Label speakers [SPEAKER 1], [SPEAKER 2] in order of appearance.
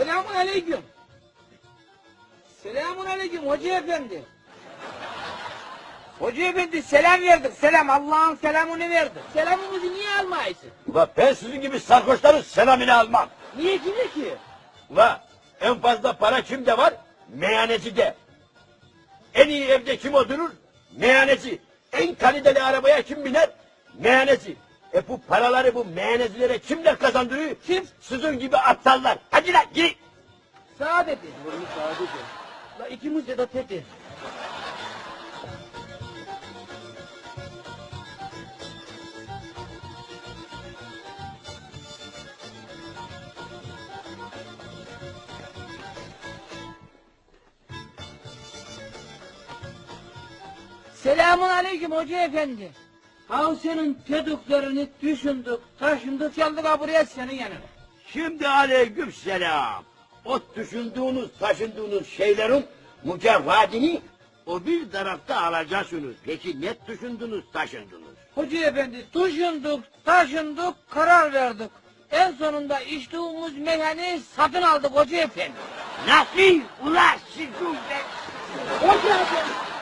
[SPEAKER 1] Selamun aleyküm. Selamun aleyküm hoca efendi. Hoca efendi selam verdik. Selam Allah'ın selamını verdik. Selamımızı niye almayısın?
[SPEAKER 2] Ula ben sizin gibi sarhoşların selamını almam.
[SPEAKER 1] Niye ki?
[SPEAKER 2] Ula en fazla para kimde var? Meyhanecide. En iyi evde kim oturur? Meyhaneci. En kaliteli arabaya kim biner? Meyhaneci. Bu paraları bu meyhanecilere kimler kazandırıyor?
[SPEAKER 1] Kim?
[SPEAKER 2] Sizin gibi aptallar. Hadi lan gir.
[SPEAKER 1] Saadeti. Saadeti. La ikimiz de teti. Selamun aleyküm hoca efendi. Ha senin dediklerini düşündük, taşındık, geldik ha buraya senin yanına.
[SPEAKER 2] Şimdi aleyküm selam. O düşündüğünüz, taşındığınız şeylerin mücevhadini o bir tarafta alacaksınız. Peki ne düşündünüz, taşındınız?
[SPEAKER 1] Hoca efendi düşündük, taşındık, karar verdik. En sonunda içtiğimiz meyhaneyi satın aldık hoca efendi.
[SPEAKER 2] Nasıl? Ulan sizin ben...
[SPEAKER 1] Hoca efendi.